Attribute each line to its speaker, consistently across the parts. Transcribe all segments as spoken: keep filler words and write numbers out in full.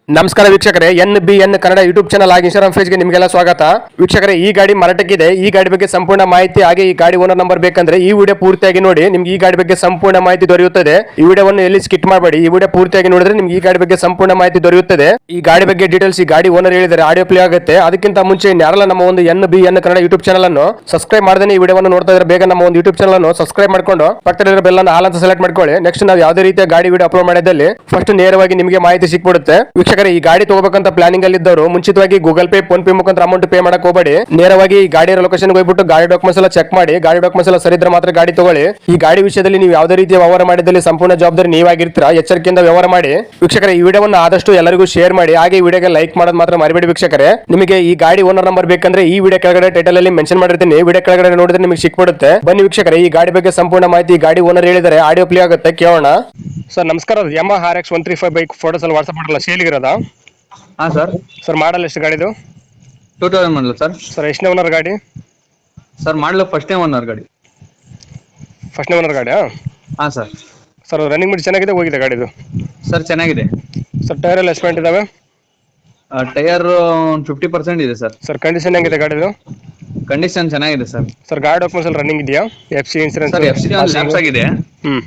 Speaker 1: ನಮಸ್ಕಾರ ವೀಕ್ಷಕರೇ, N B N Kannada YouTube channel ಆಗಿ ಇನ್ಸ್ಟಾಗ್ರಾಮ್ ಪೇಜ್ಗೆ ನಿಮಗೆಲ್ಲ ಸ್ವಾಗತ. ವೀಕ್ಷಕರೇ, ಈ ಗಾಡಿ ಮಾರಾಟಕ್ಕಿದೆ. ಈ ಗಾಡಿ ಬಗ್ಗೆ ಸಂಪೂರ್ಣ ಮಾಹಿತಿ ಹಾಗೆ ಈ ಗಾಡಿ ಓನರ್ ನಂಬರ್ ಬೇಕಂದ್ರೆ ಈ ವಿಡಿಯೋ ಪೂರ್ತಿಯಾಗಿ ನೋಡಿ. ನಿಮ್ಗೆ ಈ ಗಾಡಿ ಬಗ್ಗೆ ಸಂಪೂರ್ಣ ಮಾಹಿತಿ ದೊರೆಯುತ್ತದೆ. ಈ ವಿಡಿಯೋವನ್ನು ಎಲ್ಲಿ ಸ್ಕಿಟ್ ಮಾಡಬೇಡಿ. ಈ ವಿಡಿಯೋ ಪೂರ್ತಿಯಾಗಿ ನೋಡಿದ್ರೆ ನಿಮ್ಗೆ ಈ ಗಾಡಿ ಬಗ್ಗೆ ಸಂಪೂರ್ಣ ಮಾಹಿತಿ ದೊರೆಯುತ್ತದೆ. ಈ ಗಾಡಿ ಬಗ್ಗೆ ಡೀಟೇಲ್ಸ್ ಈ ಗಾಡಿ ಓನರ್ ಹೇಳಿದರೆ ಆಡಿಯೋ ಪ್ಲೇ ಆಗುತ್ತೆ. ಅದಕ್ಕಿಂತ ಮುಂಚೆ ಯಾರೆಲ್ಲ ನಮ್ಮ ಒಂದು N B N Kannada YouTube channel ಅನ್ನು ಸಬ್ಸ್ಕ್ರೈಬ್ ಮಾಡದೇ ಈ ವಿಡಿಯೋವನ್ನು ನೋಡ್ತಾ ಇದ್ರೆ ಬೇಗ ನಮ್ಮ ಒಂದು ಯೂಟ್ಯೂಬ್ ಚಾನಲ್ ಅನ್ನು ಸಬ್ಸ್ಕ್ರೈಬ್ ಮಾಡ್ಕೊಂಡು ಪಕ್ಕದಲ್ಲಿರೋ ಬೆಲ್ ಅನ್ನು ಹಾಲ್ ಅಂತ ಸೆಲೆಕ್ಟ್ ಮಾಡ್ಕೊಳ್ಳಿ. ನೆಕ್ಸ್ಟ್ ನಾವು ಯಾವುದೇ ರೀತಿಯ ಗಾಡಿ ವಿಡಿಯೋ ಅಪ್ಲೋಡ್ ಮಾಡಿದಲ್ಲಿ ಫಸ್ಟ್ ನೇರವಾಗಿ ನಿಮಗೆ ಮಾಹಿತಿ ಸಿಕ್ಬಿಡುತ್ತೆ. ವೀಕ್ಷಕರೇ, ಈ ಗಾಡಿ ತಗೋಬೇಕಂತ ಪ್ಲಾನಿಂಗ್ ಅಲ್ಲಿ ಇದ್ದವರು ಮುಂಚಿತವಾಗಿ ಗೂಗಲ್ ಪೇ, ಫೋನ್ ಪೇ ಮುಖಾಂತರ ಅಮೌಂಟ್ ಪೇ ಮಾಡಕ್ ಹೋಗಬೇಡಿ. ನೇರವಾಗಿ ಈ ಗಾಡಿಯ ಲೊಕೇಶನ್ ಹೋಗ್ಬಿಟ್ಟು ಗಾಡಿ ಡಾಕ್ಯುಮೆಂಟ್ಸ್ ಎಲ್ಲ ಚೆಕ್ ಮಾಡಿ. ಗಾಡಿ ಡಾಕ್ಯುಮೆಂಟ್ಸ್ ಎಲ್ಲ ಸರಿ ಇದ್ರೆ ಮಾತ್ರ ಗಾಡಿ ತಗೊಳ್ಳಿ. ಈ ಗಾಡಿ ವಿಷಯದಲ್ಲಿ ನೀವು ಯಾವುದೇ ರೀತಿಯ ವ್ಯವಹಾರ ಮಾಡಿದಲ್ಲಿ ಸಂಪೂರ್ಣ ಜವಾಬ್ದಾರಿ ನೀವಾಗಿರ್ತೀರಾ. ಎಚ್ಚರಿಕೆಯಿಂದ ವ್ಯವಹಾರ ಮಾಡಿ. ವೀಕ್ಷಕರೇ, ಈ ವಿಡಿಯೋವನ್ನು ಆದಷ್ಟು ಎಲ್ಲರಿಗೂ ಶೇರ್ ಮಾಡಿ. ಹಾಗೆ ಈ ವಿಡಿಯೋಗೆ ಲೈಕ್ ಮಾಡೋದು ಮಾತ್ರ ಮರಿಬೇಡಿ. ವೀಕ್ಷಕರೇ, ನಿಮಗೆ ಈ ಗಾಡಿ ಓನರ್ ನಂಬರ್ ಬೇಕಂದ್ರೆ ಈ ವಿಡಿಯೋ ಕೆಳಗಡೆ ಟೈಟಲ್ ಅಲ್ಲಿ ಮೆನ್ಷನ್ ಮಾಡಿರ್ತೀನಿ. ವಿಡಿಯೋ ಕೆಳಗಡೆ ನೋಡಿದ್ರೆ ನಿಮಗೆ ಸಿಕ್ಬಿಡುತ್ತೆ. ಬನ್ನಿ ವೀಕ್ಷಕರೇ, ಈ ಗಾಡಿ ಬಗ್ಗೆ ಸಂಪೂರ್ಣ ಮಾಹಿತಿ ಗಾಡಿ ಓನರ್ ಹೇಳಿದರೆ ಆಡಿಯೋ ಪ್ಲೇ ಆಗುತ್ತೆ, ಕೇಳೋಣ. ಸರ್ ನಮಸ್ಕಾರ. Yamaha R X one three five bike photos ಅಲ್ಲಿ ವಾಟ್ಸ್ಆಪ್ ಮಾಡಲ್ಲ, ಸೇಲಿಗಿರೋದಾ?
Speaker 2: ಹಾ ಸರ್.
Speaker 1: ಸರ್ ಮಾಡಲ್ ಎಷ್ಟು ಗಾಡಿದು?
Speaker 2: Two thousand model sir.
Speaker 1: Sir ಎಷ್ಟನೇ ಓನರ್ ಗಾಡಿ?
Speaker 2: ಸರ್ ಮಾಡಲು ಫಸ್ಟ್ನೇ ಓನರ್ ಗಾಡಿ.
Speaker 1: ಫಸ್ಟ್ನೇ ಓನರ್ ಗಾಡಿ?
Speaker 2: ಹಾ ಸರ್.
Speaker 1: ಸರ್ ರನ್ನಿಂಗ್ ಬಿಟ್ಟು ಚೆನ್ನಾಗಿದೆ, ಹೋಗಿದೆ ಗಾಡಿದು?
Speaker 2: ಸರ್ ಚೆನ್ನಾಗಿದೆ.
Speaker 1: ಸರ್ ಟೈರ್ ಎಲ್ಲ ಎಸ್ಪೆಂಟ್ ಇದಾವೆ?
Speaker 2: ಟೈರ್ ಫಿಫ್ಟಿ ಪರ್ಸೆಂಟ್ ಇದೆ ಸರ್.
Speaker 1: ಸರ್ ಕಂಡೀಷನ್ ಹೆಂಗಿದೆ ಗಾಡಿದು?
Speaker 2: ಕಂಡೀಷನ್ ಚೆನ್ನಾಗಿದೆ ಸರ್.
Speaker 1: ಸರ್ ಗಾಡಿ ಡಾಕ್ಯುಮೆಂಟ್ಸ್ ಎಲ್ಲ ರನ್ನಿಂಗ್ ಇದೆಯಾ? F C insurance?
Speaker 2: Sir F C ಒಂದು ಲ್ಯಾಪ್ಸ್ ಆಗಿದೆ.
Speaker 1: ಹ್ಮ್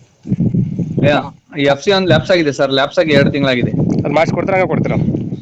Speaker 2: ಎಫ್ ಸಿ ಒಂದು ಲ್ಯಾಪ್ಸ್ ಆಗಿದೆ ಸರ್. ಲ್ಯಾಪ್ಸ್ ಆಗಿ ಎರಡು ತಿಂಗಳಾಗಿದೆ.
Speaker 1: ಅದು ಮಾಡಿಸ್ಕೊಡ್ತೀರಾ, ಹಂಗೆ ಕೊಡ್ತೀರಾ?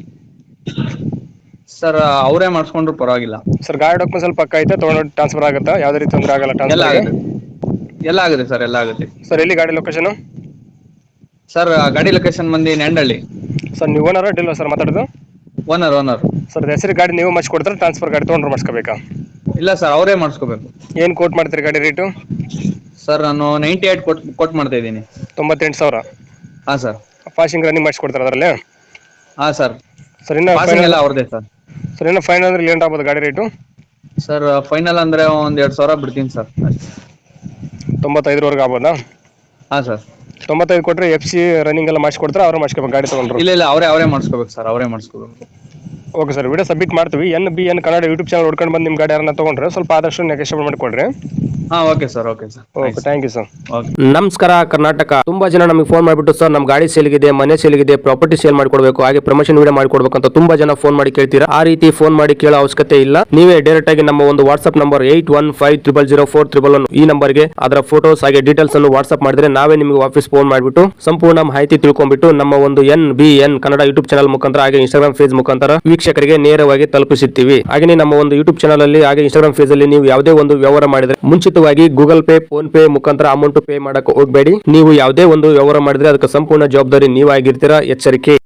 Speaker 2: ಸರ್ ಅವರೇ ಮಾಡಿಸ್ಕೊಂಡ್ರು ಪರವಾಗಿಲ್ಲ.
Speaker 1: ಸರ್ ಗಾಡಿ ಡಾಕ್ಯುಮೆಂಟ್ಸ್ ಸ್ವಲ್ಪ ಪಕ್ಕ ಐತೆ, ತೊಗೊಂಡು ಟ್ರಾನ್ಸ್ಫರ್ ಆಗುತ್ತಾ? ಯಾವುದೇ ರೀತಿ ತೊಂದರೆ ಆಗಲ್ಲ?
Speaker 2: ಎಲ್ಲ
Speaker 1: ಟ್ರಾನ್ಸ್ಫರ್
Speaker 2: ಆಗುತ್ತೆ ಎಲ್ಲ ಆಗುತ್ತೆ ಸರ್, ಎಲ್ಲ ಆಗುತ್ತೆ.
Speaker 1: ಸರ್ ಎಲ್ಲಿ ಗಾಡಿ ಲೊಕೇಶನ್?
Speaker 2: ಸರ್ ಗಾಡಿ ಲೊಕೇಶನ್ ಬಂದು ನೆಂಡಳ್ಳಿ.
Speaker 1: ಸರ್ ನೀವು ಓನರ್ ಡೀಲರ್ ಸರ್ ಮಾತಾಡೋದು?
Speaker 2: ಓನರ್ ಓನರ್
Speaker 1: ಸರ್ ಹೆಸರು ಗಾಡಿ ನೀವು ಮಾಡಿಸ್ಕೊಡ್ತಾರೆ, ಟ್ರಾನ್ಸ್ಫರ್ ಗಾಡಿ ತೊಗೊಂಡ್ರೆ ಮಾಡಿಸ್ಕೋಬೇಕಾ?
Speaker 2: ಇಲ್ಲ ಸರ್, ಅವರೇ ಮಾಡಿಸ್ಕೋಬೇಕು.
Speaker 1: ಏನು ಕೋಟ್ ಮಾಡ್ತೀರಿ ಗಾಡಿ ರೇಟು?
Speaker 2: ಸರ್ ನಾನು ನೈಂಟಿ ಏಟ್ ಕೊಟ್ ಕೊಟ್ ಮಾಡ್ತಾ ಇದ್ದೀನಿ.
Speaker 1: ತೊಂಬತ್ತೆಂಟು ಸಾವಿರ?
Speaker 2: ಹಾಂ ಸರ್.
Speaker 1: ಪಾಸಿಂಗ್ ರನ್ನಿಂಗ್ ಮಾಡಿಸ್ಕೊಡ್ತಾರೆ ಅದರಲ್ಲಿ?
Speaker 2: ಹಾಂ ಸರ್.
Speaker 1: ಸರ್ ಇನ್ನು
Speaker 2: ಪಾಸಿಂಗ್ ಎಲ್ಲ ಅವ್ರದ್ದೇ ಸರ್.
Speaker 1: ಸರ್ ಇನ್ನು ಫೈನಲ್ ಅಂದ್ರೆ ಏನು ಆಗ್ಬೋದು ಗಾಡಿ ರೇಟು?
Speaker 2: ಸರ್ ಫೈನಲ್ ಅಂದ್ರೆ ಒಂದ್ ಎರಡ್ ಸಾವಿರ ಬಿಡ್ತೀನಿ ಸರ್.
Speaker 1: ತೊಂಬತ್ತೈದರವರೆಗೆ ಆಗ್ಬೋದಾ?
Speaker 2: ಹಾಂ ಸರ್.
Speaker 1: ತೊಂಬತ್ತೈದು ಕೊಟ್ಟರೆ ಎಫ್ ಸಿ ರನ್ನಿಂಗ್ ಎಲ್ಲ ಮಾಡಿಸ್ಕೊಡ್ತಾರೆ, ಅವ್ರು ಮಾಡಿಸ್ಕೋಬೇಕು ಗಾಡಿ ತೊಗೊಂಡ್ರು?
Speaker 2: ಇಲ್ಲ ಇಲ್ಲ, ಅವರೇ ಅವರೇ ಮಾಡಿಸ್ಕೋಬೇಕು ಸರ್, ಅವರೇ ಮಾಡಿಸ್ಕೋಬೇಕು.
Speaker 1: ಓಕೆ ಸರ್, ವಿಡಿಯೋ ಸಬ್ಮಿಟ್ ಮಾಡ್ತೀವಿ. N B N Kannada YouTube channel ಹುಡ್ಕೊಂಡು ಬಂದು ನಿಮ್ಮ ಗಾಡಿ ಯಾರನ್ನ ತೊಗೊಂಡ್ರೆ ಸ್ವಲ್ಪ ಆದಷ್ಟು ನೆಗೋಷಿಯೇಟ್ ಮಾಡಿಕೊಡ್ರಿ.
Speaker 2: ಹಾ okay sir. Okay sir.
Speaker 1: Okay, thank you sir.
Speaker 3: ನಮಸ್ಕಾರ ಕರ್ನಾಟಕ. ತುಂಬಾ ಜನ ನಮಗೆ ಫೋನ್ ಮಾಡಿಬಿಟ್ಟು ಸರ್ ನಮ್ಮ ಗಾಡಿ ಸೇಲ್ಗಿದೆ, ಮನೆ ಸೇಲ್ಗಿದೆ, ಪ್ರಾಪರ್ಟಿ ಸೇಲ್ ಮಾಡ್ಕೊಡ್ಬೇಕು, ಹಾಗೆ ಪ್ರಮೋಷನ್ ವಿಡಿಯೋ ಮಾಡ್ಕೊಡ್ಬೇಕು ಅಂತ ತುಂಬಾ ಜನ ಫೋನ್ ಮಾಡಿ ಕೇಳ್ತೀರಾ. ಆ ರೀತಿ ಫೋನ್ ಮಾಡಿ ಕೇಳೋ ಅವಶ್ಯಕತೆ ಇಲ್ಲ. ನೀವೇ ಡೈರೆಕ್ಟ್ ಆಗಿ ನಮ್ಮ ಒಂದು WhatsApp number eight one five triple zero four triple one ಈ ನಂಬರ್ಗೆ ಅದರ ಫೋಟೋಸ್ ಹಾಗೆ ಡೀಟೇಲ್ಸ್ ಅನ್ನು ವಾಟ್ಸ್ಆಪ್ ಮಾಡಿದ್ರೆ ನಾವೇ ನಿಮಗೆ ವಾಪಸ್ ಫೋನ್ ಮಾಡಿಬಿಟ್ಟು ಸಂಪೂರ್ಣ ಮಾಹಿತಿ ತಿಳ್ಕೊಂಡ್ಬಿಟ್ಟು ನಮ್ಮ ಒಂದು N B N Kannada YouTube channel ಮುಖಾಂತರ ಹಾಗೆ ಇನ್ಸ್ಟಾಗ್ರಾಮ್ ಪೇಜ್ ಮುಖಾಂತರ ವೀಕ್ಷಕರಿಗೆ ನೇರವಾಗಿ ತಲುಪಿಸುತ್ತೀವಿ. ಹಾಗೆ ನಮ್ಮ ಒಂದು ಯೂಟ್ಯೂಬ್ ಚಾನಲ್ ಅಲ್ಲಿ ಹಾಗೆ ಇನ್ಸ್ಟಾಗ್ರಾಮ್ ಪೇಜ್ ಅಲ್ಲಿ ನೀವು ಯಾವುದೇ ಒಂದು ವ್ಯವಹಾರ ಮಾಡಿದ್ರೆ ಮುಂಚಿತವಾಗಿ ಗೂಗಲ್ ಪೇ, ಫೋನ್ ಪೇ ಮುಖಾಂತರ ಅಮೌಂಟ್ ಪೇ ಮಾಡಕ್ಕೆ ಹೋಗಬೇಡಿ. ನೀವು ಯಾವುದೇ ಒಂದು ವ್ಯವಹಾರ ಮಾಡಿದ್ರೆ ಅದಕ್ಕೆ ಸಂಪೂರ್ಣ ಜವಾಬ್ದಾರಿ ನೀವಾಗಿರ್ತೀರಾ. ಎಚ್ಚರಿಕೆ.